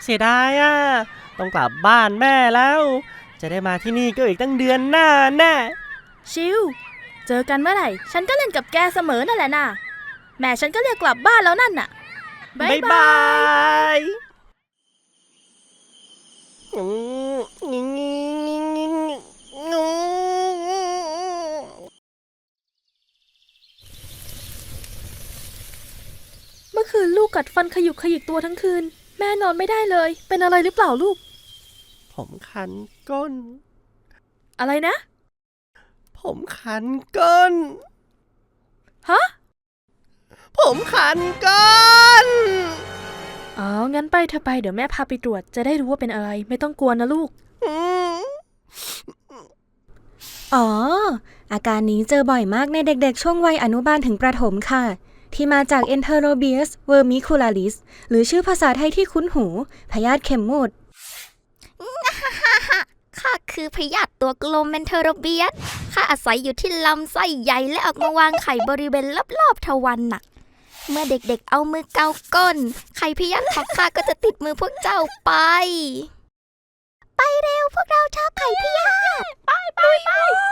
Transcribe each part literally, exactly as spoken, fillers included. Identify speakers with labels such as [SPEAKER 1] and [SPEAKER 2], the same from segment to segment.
[SPEAKER 1] เสียดายอ่ะต้องกลับบ้านแม่แล้วจะได้มาที่นี่ก็อีกตั้งเดือนหน้าแน่
[SPEAKER 2] ชิวเจอกันเมื่อไหร่ฉันก็เล่นกับแกเสมอนั่นแหละน่ะแม่ฉันก็เรียกกลับบ้านแล้วนั่นน่ะ
[SPEAKER 1] บ๊ายบาย
[SPEAKER 2] เมื่อคืนลูกกัดฟันขยุกขยิกตัวทั้งคืนแม่นอนไม่ได้เลยเป็นอะไรหรือเปล่าลูก
[SPEAKER 1] ผมคันก้น
[SPEAKER 2] อะไรนะ
[SPEAKER 1] ผมคันก้น
[SPEAKER 2] ฮะ
[SPEAKER 1] ผมคันก้น
[SPEAKER 2] อ๋องั้นไปเธอไปเดี๋ยวแม่พาไปตรวจจะได้รู้ว่าเป็นอะไรไม่ต้องกลัวนะลูก
[SPEAKER 3] อ๋ออาการนี้เจอบ่อยมากในเด็กๆช่วงวัยอนุบาลถึงประถมค่ะที่มาจาก Enterobius vermicularis หรือชื่อภาษาไทยที่คุ้นหูพยาธิเข็มหมุด
[SPEAKER 4] ข้าคือพยาธิตัวกลมเมนเทอโรเบียสข้าอาศัยอยู่ที่ลำไส้ใหญ่และออกมาวางไข่บริเวณรอบๆทวารหนักเมื่อเด็กๆเอามือเกาก้นไข่พยาธิของข้าก็จะติดมือพวกเจ้าไปไปเร็วพวกเราชอบไข่พยาธิไปไปไป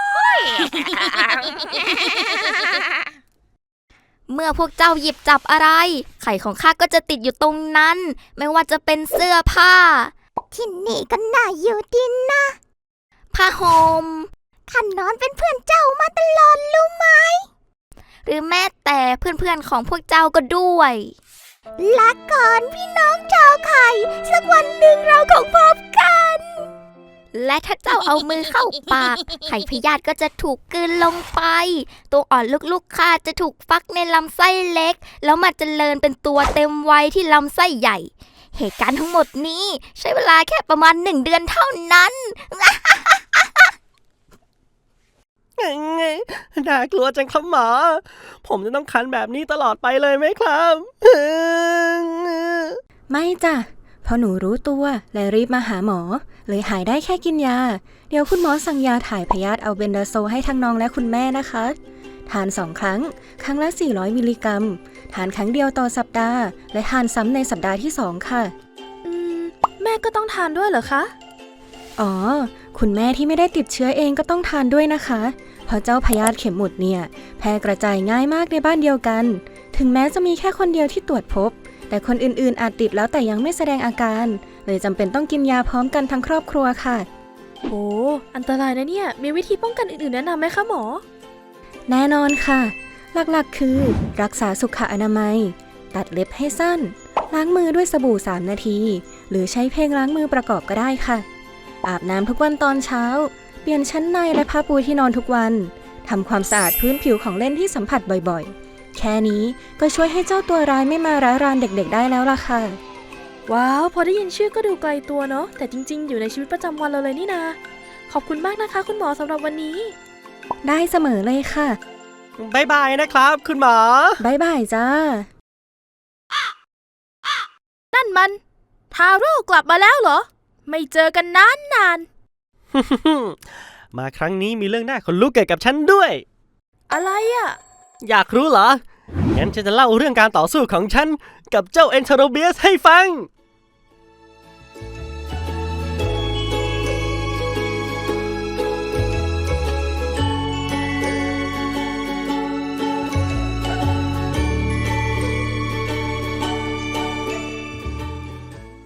[SPEAKER 4] เมื่อพวกเจ้าหยิบจับอะไรไข่ของข้าก็จะติดอยู่ตรงนั้นไม่ว่าจะเป็นเสื้อผ้าที่นี่ก็น่าอยู่ดีนะผ้าห่มข้านอนเป็นเพื่อนเจ้ามาตลอดรู้ไหมหรือแม้แต่เพื่อนๆของพวกเจ้าก็ด้วยลาก่อนพี่น้องชาวไข่สักวันหนึ่งเราคงพบกันและถ้าเจ้าเอามือเข้าปากไข่พยาธิก็จะถูกกลืนลงไปตัวอ่อนลูกๆข้าจะถูกฟักในลำไส้เล็กแล้วมาเจริญเป็นตัวเต็มวัยที่ลำไส้ใหญ่เหตุการณ์ทั้งหมดนี้ใช้เวลาแค่ประมาณหนึ่งเดือนเท่านั้น
[SPEAKER 1] น่ากลัวจังครับหมอผมจะต้องคันแบบนี้ตลอดไปเลยไหมครับ
[SPEAKER 3] ไม่จ้ะพอหนูรู้ตัวและรีบมาหาหมอเลยหายได้แค่กินยาเดี๋ยวคุณหมอสั่งยาถ่ายพยาธิอัลเบนดาโซให้ทั้งน้องและคุณแม่นะคะทานสองครั้งครั้งละสี่ร้อยมิลลิกรัมทานครั้งเดียวต่อสัปดาห์และทานซ้ำในสัปดาห์ที่สองค่ะ
[SPEAKER 2] อืมแม่ก็ต้องทานด้วยเหรอคะ
[SPEAKER 3] อ๋อคุณแม่ที่ไม่ได้ติดเชื้อเองก็ต้องทานด้วยนะคะเพราะเจ้าพยาธิเข็มหมุดเนี่ยแพร่กระจายง่ายมากในบ้านเดียวกันถึงแม้จะมีแค่คนเดียวที่ตรวจพบแต่คนอื่นๆอาจติดแล้วแต่ยังไม่แสดงอาการเลยจำเป็นต้องกินยาพร้อมกันทั้งครอบครัวค่ะ
[SPEAKER 2] โอ้อันตรายนะเนี่ยมีวิธีป้องกันอื่นๆแนะนำไหมคะหมอ
[SPEAKER 3] แน่นอนค่ะหลักๆคือรักษาสุขอนามัยตัดเล็บให้สั้นล้างมือด้วยสบู่สามนาทีหรือใช้เพลงล้างมือประกอบก็ได้ค่ะอาบน้ำทุกวันตอนเช้าเปลี่ยนชั้นในและผ้าปูที่นอนทุกวันทำความสะอาดพื้นผิวของเล่นที่สัมผัสบ่อยๆแค่นี้ก็ช่วยให้เจ้าตัวร้ายไม่มาร้ายรานเด็กๆได้แล้วล่ะค่ะ
[SPEAKER 2] ว้าวพอได้ยินชื่อก็ดูไกลตัวเนาะแต่จริงๆอยู่ในชีวิตประจำวันเราเลยนี่นาขอบคุณมากนะคะคุณหมอสำหรับวันนี้
[SPEAKER 3] ได้เสมอเลยค่ะ
[SPEAKER 1] บ๊ายบายนะครับคุณหมอ
[SPEAKER 3] บ๊ายบายจ้า
[SPEAKER 2] นั่นมันทาโร่กลับมาแล้วเหรอไม่เจอกันนานนาน
[SPEAKER 1] มาครั้งนี้มีเรื่องน่าขนลุกเกี่ยวกับฉันด้วย
[SPEAKER 2] อะไรอ่ะ
[SPEAKER 1] อยากรู้เหรองั้นฉันจะเล่าเรื่องการต่อสู้ของฉันกับเจ้าเอนเทโรเบียสให้ฟัง